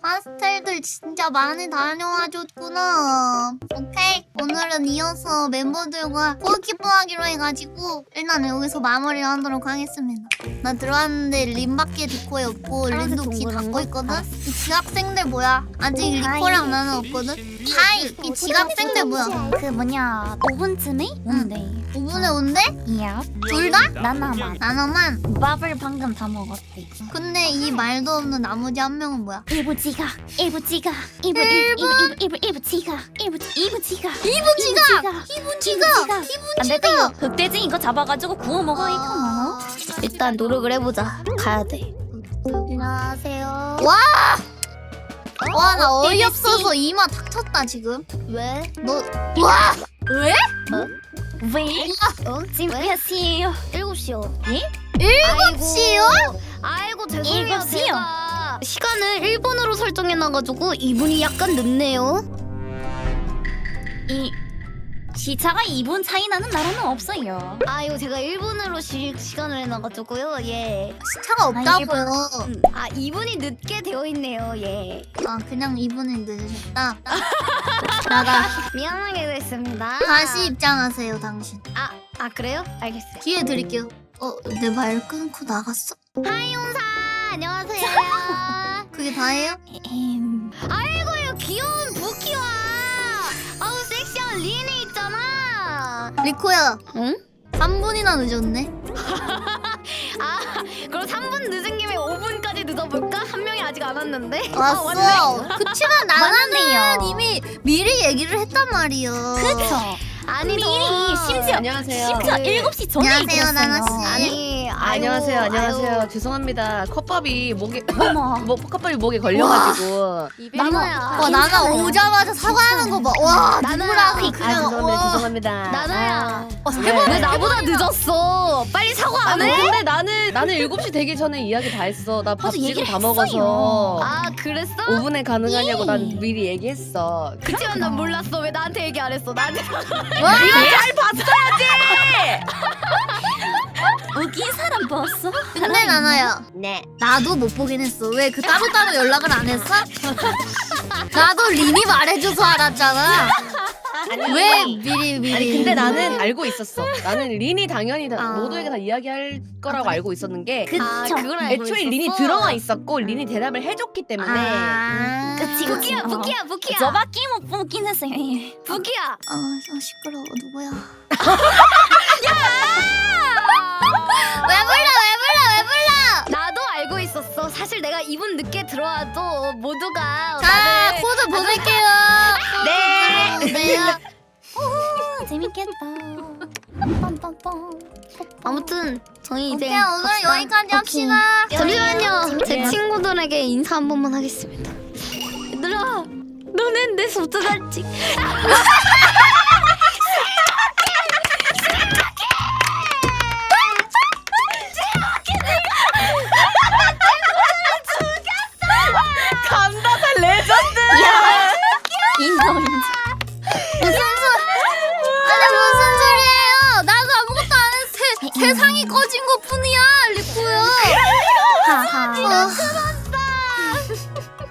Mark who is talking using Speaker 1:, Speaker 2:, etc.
Speaker 1: 파스텔들 진짜 많이 다녀와줬구나. 오케이, 오늘은 이어서 멤버들과 골키퍼 하기로 해가지고 일단 여기서 마무리를 하도록 하겠습니다. 나 들어왔는데 림밖에 디코에 없고 림도 귀 닫고 있거든? 이 지각생들 뭐야? 아직 리코랑 나는 없거든? 하이! 이 지각생들 뭐야?
Speaker 2: 그 뭐냐 5분쯤에 온대.
Speaker 1: 5분에 온대?
Speaker 2: 이야.
Speaker 1: 둘 다?
Speaker 2: 나나만.
Speaker 1: 나눠만?
Speaker 2: 밥을 방금 다 먹었대.
Speaker 1: 근데 이 말도 없는 나머지 한 명은 뭐야?
Speaker 2: 일부 지각. 일부 지각. 일부 지각. 일부 지각.
Speaker 1: 이분 지각! 이분 지각!
Speaker 2: 안 됐다 이거. 흑돼지 이거 잡아가지고 구워 먹어 이거. 일단 노력을 해보자. 가야 돼. 안녕하세요.
Speaker 1: 와! 와, 나 어이없어서 이마 탁 쳤다 지금.
Speaker 2: 왜?
Speaker 1: 너 와! 왜?
Speaker 2: 왜? 지금 몇 시에요? 7시요. 예?
Speaker 1: 7시요?
Speaker 2: 아이고 죄송해요. 7시요. 제가 시간을 1분으로 설정해놔가지고 2분이 약간 늦네요. 이 시차가 2분 차이 나는 나라는 없어요. 아이고 제가 1분으로 시간을 해놔가지고요. 예.
Speaker 1: 시차가 없다고요.
Speaker 2: 아 2분이 늦게 되어 있네요. 예.
Speaker 1: 아, 그냥 2분이 늦으셨다. 나가.
Speaker 2: 미안하게 됐습니다.
Speaker 1: 다시 입장하세요, 당신.
Speaker 2: 아 그래요? 알겠어요.
Speaker 1: 기회 드릴게요. 내 말 끊고 나갔어?
Speaker 2: 하이온사 안녕하세요.
Speaker 1: 그게 다예요?
Speaker 2: 아이고요 귀여운 부키와 아우 섹시한 리니 있잖아.
Speaker 1: 리코야.
Speaker 2: 응?
Speaker 1: 3분이나 늦었네.
Speaker 2: 아 그럼 3분 늦은 김에 5분까지 늦어볼까? 한 명이 아직 안 왔는데.
Speaker 1: 왔어.
Speaker 2: 왔네.
Speaker 1: 그치만 나는
Speaker 2: 맞네요.
Speaker 1: 이미 미리 얘기를 했단 말이야.
Speaker 2: 그쵸. 아니 미리 심지어
Speaker 3: 안녕하세요.
Speaker 2: 심지어 7시 전에
Speaker 1: 안녕하세요,
Speaker 2: 얘기했어요.
Speaker 1: 나나씨.
Speaker 3: 안녕하세요.
Speaker 2: 아이고,
Speaker 3: 안녕하세요.
Speaker 2: 아이고.
Speaker 3: 죄송합니다. 컵밥이 목에
Speaker 2: 어머.
Speaker 3: 컵밥이 목에 걸려가지고.
Speaker 2: 나나야.
Speaker 1: 와, 나나 오자마자 사과하는 거 봐. 와,
Speaker 2: 나나야.
Speaker 1: 누구랑
Speaker 3: 아
Speaker 1: 그냥
Speaker 3: 죄송합니다. 죄송합니다.
Speaker 2: 나나야.
Speaker 3: 왜
Speaker 2: 나보다 늦었어. 빨리 사과 안 해?
Speaker 3: 근데 나는 7시 되기 전에 이야기 다 했어. 나 밥
Speaker 2: 맞아,
Speaker 3: 지금
Speaker 2: 얘기를
Speaker 3: 다 먹어서.
Speaker 2: 아 그랬어?
Speaker 3: 5분에 가능하냐고
Speaker 2: 예.
Speaker 3: 난 미리 얘기했어.
Speaker 2: 그치만 난 몰랐어. 왜 나한테 얘기 안 했어? 나한테
Speaker 1: 와,
Speaker 3: 잘 봤어야지.
Speaker 2: 웃긴 사람 봤어?
Speaker 1: 근데 나나야.
Speaker 3: 네.
Speaker 1: 나도 못 보긴 했어. 왜 그 따로따로 연락을 안 했어? 나도 린이 말해줘서 알았잖아. 왜 미리.
Speaker 3: 아니 근데 나는 알고 있었어. 나는 린이 당연히
Speaker 1: 아.
Speaker 3: 모두에게 다 이야기할 거라고 알고 있었는 게
Speaker 2: 그걸 알고
Speaker 3: 애초에
Speaker 2: 있었어?
Speaker 3: 린이 들어와 있었고 린이 대답을 해줬기 때문에
Speaker 1: 아.
Speaker 2: 그치 부키야 부키야 부키야 저밖에 못 보긴 했어요. 부키야
Speaker 1: 시끄러워. 누구야? 왜 불러?
Speaker 2: 나도 알고 있었어. 사실 내가 2분 늦게 들어와도 모두가
Speaker 1: 자, 코드 보낼게요.
Speaker 3: 네.
Speaker 1: 네.
Speaker 2: 재밌겠다. 아무튼 저희 이제
Speaker 1: 오케이, 오늘
Speaker 2: 갑시다.
Speaker 1: 여기까지 합시다.
Speaker 2: 잠시만요. 제 친구들에게 인사 한 번만 하겠습니다. 얘들아, 너넨 내 소중하지.
Speaker 3: 감다살 레전드.
Speaker 2: 인정.
Speaker 1: 무슨 소리예요? 나도 아무것도 안 했어. 세상이 꺼진 것 뿐이야, 리코야.
Speaker 2: 하하.